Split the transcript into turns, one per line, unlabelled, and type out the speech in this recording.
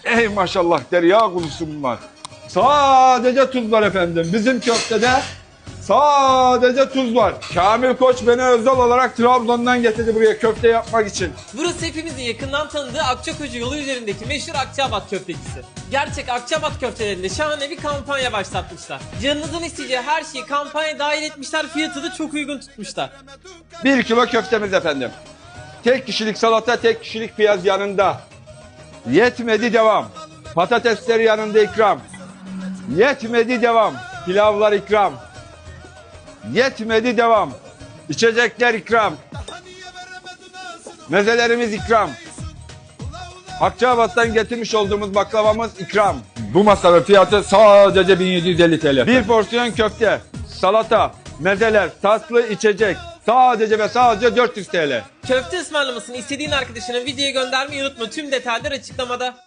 Ey maşallah derya kurusu bunlar. Sadece tuz var efendim. Bizim köftede sadece tuz var. Kamil Koç beni özel olarak Trabzon'dan getirdi buraya köfte yapmak için.
Burası hepimizin yakından tanıdığı Akçakoca yolu üzerindeki meşhur Akçaabat köftecisi. Gerçek Akçaabat köftelerinde şahane bir kampanya başlatmışlar. Canınızın isteyeceği her şeyi kampanya dahil etmişler, fiyatı da çok uygun tutmuşlar.
1 kilo köftemiz efendim. Tek kişilik salata, tek kişilik piyaz yanında. Yetmedi devam. Patatesler yanında ikram. Yetmedi devam. Pilavlar ikram. Yetmedi devam. İçecekler ikram. Mezelerimiz ikram. Akçaabat'tan getirmiş olduğumuz baklavamız ikram. Bu masanın fiyatı sadece 1750 TL. Bir porsiyon köfte, salata, mezeler, tatlı, içecek. Sadece ve sadece 400 TL.
Köfte ısmarlamasını istediğin arkadaşına videoya göndermeyi unutma. Tüm detaylar açıklamada.